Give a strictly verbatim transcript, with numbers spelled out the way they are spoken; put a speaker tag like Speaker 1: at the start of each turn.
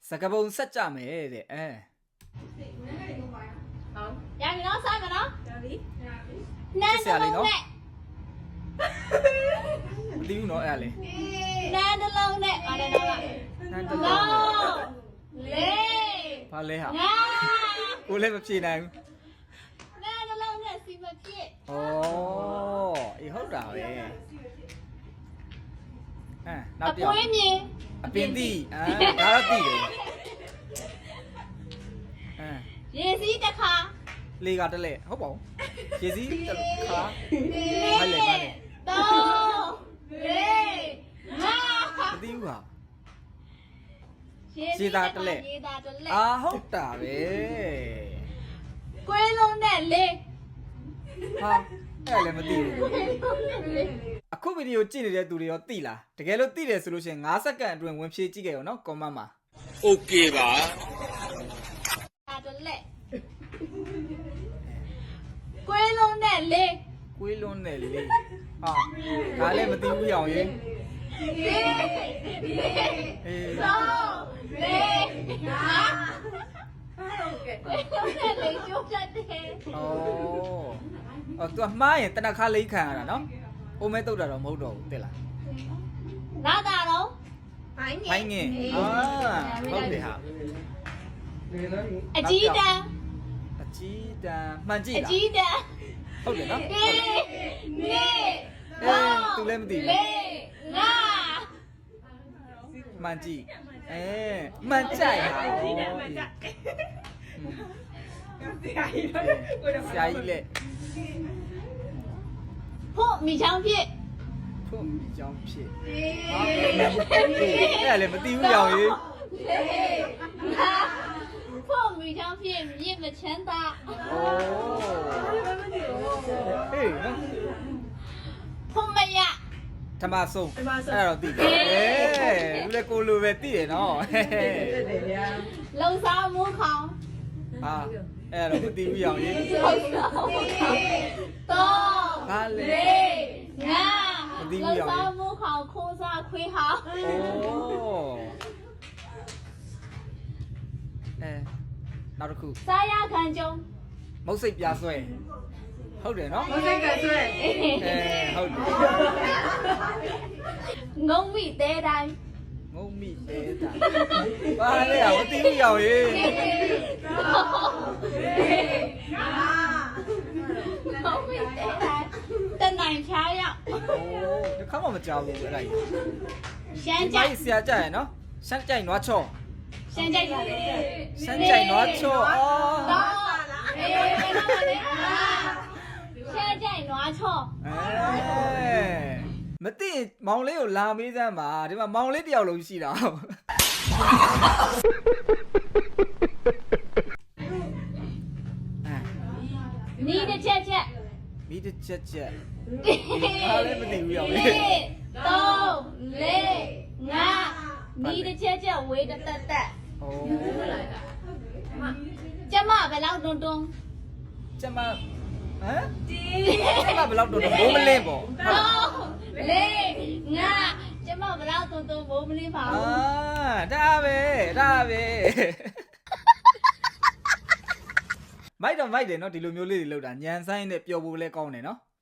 Speaker 1: စကပုံဆက်ကြမယ်တဲ့အဲ
Speaker 2: ဟုတ်ရပြီနော်ဆိုင်မနော်ရပြီနန်း
Speaker 1: ဆက်ရလေး
Speaker 2: တစ်လုံး
Speaker 1: နော်
Speaker 2: နဲ့
Speaker 1: မသိဘူးနော်အဲ့ဒါလေ
Speaker 2: နန်းတစ်လုံးနဲ့အားလည်းတော့
Speaker 1: နန်းတစ်လုံးနဲ့
Speaker 2: လေး
Speaker 1: ဘာလဲဟာ
Speaker 2: ငါ
Speaker 1: ကိုလည်းမဖြေနိုင်ဘူး
Speaker 2: နန်းတစ်လုံးနဲ့စီမဖြစ်
Speaker 1: ဩအေးဟုတ်တာပဲအဲ
Speaker 2: အ
Speaker 1: နောက်တစ်ယော
Speaker 2: ပွေး
Speaker 1: က်
Speaker 2: မြင်
Speaker 1: အပင်တိအာဒါတော့သိတယ်အဲ
Speaker 2: ရေစီးတစ်ခါ
Speaker 1: လေကတလဲဟုတ်ပါဘူးရေစီးတစ်ခါ
Speaker 2: လေး
Speaker 1: မလဲမလဲ
Speaker 2: သုံးလေးငါ
Speaker 1: မသိဘူးဟာ
Speaker 2: ရေစီးတစ်ခါရေတာတစ်လက်
Speaker 1: အာဟုတ်တာပဲ
Speaker 2: ကွေးလုံးနဲ့လေး
Speaker 1: ဟာအဲ့ဒါလည်းမသိဘူး
Speaker 2: ကွေးလုံးနဲ့လေး
Speaker 1: အခုဗီဒီယိုကြည့်နေတဲ့သူတွေရောသိလားတကယ်လို့သိတယ်ဆိုလို့ရှိရင်၅စက္ကန့်အတွင်းဝင်ဖြည့်ကြည့်ခဲ့ရောနော်ကွန်မန့်မှာ
Speaker 3: โอเคပါ
Speaker 2: တာတစ်လက်ကွေးလုံးနဲ့လေး
Speaker 1: ကွေးလွန်းတယ်လေဟာဒါလည်းမသိဘူးရောင်ရေ
Speaker 2: လေးလေး
Speaker 1: အေး
Speaker 2: သုံးလေးငါဟုတ်ကဲ့ကွေးလုံးနဲ့လေးကျိုးတတ်တယ်
Speaker 1: ဩအော် तू မှားရင်တနခါလေးခံရတာနော်အိုမဲတုတ်တာတော့မဟုတ်တော့ဘူးသိလား
Speaker 2: လာတာတော့
Speaker 1: ဘိုင်းငင်အာဟုတ်တယ်ဟာ
Speaker 2: အကြီးတန်း
Speaker 1: အကြီးတန်းမှန်ကြည့်
Speaker 2: အ
Speaker 1: လား
Speaker 2: ကြီးတန်း
Speaker 1: ဟုတ်တယ်နော်
Speaker 2: လေးလေး
Speaker 1: အေး तू လည်းမသိဘူး
Speaker 2: လေးငါ
Speaker 1: မှန်ကြည့်အဲမှန်ကြိုက်ဟာဆရာကြီးဆရာကြီးလေ
Speaker 2: ဖို့မိချောင်းဖြစ်
Speaker 1: ဖို့မိကြောင်းဖြစ်ဟာအဲ့ဒါလည်းမသိဘူးရောင်ရေ
Speaker 2: လေးငါဖို့မိချောင်းဖြစ်မြင့်မချမ်းသာ
Speaker 1: โอ้เฮ้ยနော်
Speaker 2: ဖို့မရ
Speaker 1: ဓမ္မဆုံးအဲ့ဒါတော့သိတယ်အေးလူလည်းကိုလိုပဲသိတယ်နော်
Speaker 2: လုံစားမိုးခေါင်
Speaker 1: ဟာအဲ့ဒါတော့မသိဘူးရောင်ရေ
Speaker 2: လုံစားမိုးခေါင်တော့
Speaker 1: ဘာလဲ
Speaker 2: လေးငါ
Speaker 1: မသိဘူး
Speaker 2: လုံ
Speaker 1: ရောင်
Speaker 2: စားမိုးခေါင်ခိုးစားခွေးဟောင်း
Speaker 1: โอ้အဲနောက်တစ်ခု
Speaker 2: စားရခံကြုံ
Speaker 1: မုတ်စိတ်ပြဆွဲဟုတ်တယ်နော်
Speaker 2: မစိတ်ကဆွဲ
Speaker 1: အဲဟုတ်တယ်
Speaker 2: ငုံမိသေးတိုင်း
Speaker 1: ငုံမိသေးတာဘာလဲอ่ะမသိဘူးရောင်ရေ
Speaker 2: ငုံမိသေးတိုင်းတနိုင်ဖြားရောက်
Speaker 1: โอ้ဒီခါမှမကြောက်ဘူးအဲ့ဒါကြီး
Speaker 2: ရှမ်း
Speaker 1: ဒီ
Speaker 2: ကြို
Speaker 1: မို
Speaker 2: က်
Speaker 1: က်ဆရာကြရယ်နော်ရှမ်းကြိုက်နွားချော့
Speaker 2: ရှမ်းကြိုက်
Speaker 1: ရှမ်းကြိုက်နွားချော့အော်
Speaker 2: တော့အေးဘယ်တော့လဲရှမ်းကြိုက်နွားချော့
Speaker 1: အဲမသိရင်မောင်လေးကိုလာမေးစမ်းပါဒီမှာမောင်လေးတယောက်လုံးရှိတာအဲ
Speaker 2: နီးတစ်ချက်ချက်
Speaker 1: မိတစ်ချက်ချက်ဘာလဲမသိဘူးရောင်လေ
Speaker 2: သုံးလေးငါနီးတစ်ချက်ချက်ဝေးတက်တက်တက်
Speaker 1: โอ้
Speaker 2: ကျမဘယ်လောက်တွန်းတွန်း
Speaker 1: ကျမဟမ်ကျမဘယ်လောက်တော့မိုးမလင်းပေါ့
Speaker 2: သုံးလေးငါကျမဘယ်လောက်တွန်းတွန်းမိုးမလင်းပါ
Speaker 1: အာ
Speaker 2: ဘူး
Speaker 1: ဒါပဲဒါပဲမိုက်တော့မိုက်တယ်နော်ဒီလိုမျိုးလေးတွေလောက်တာညံဆိုင်နဲ့ပျော်ဖို့လဲကောင်းတယ်နော်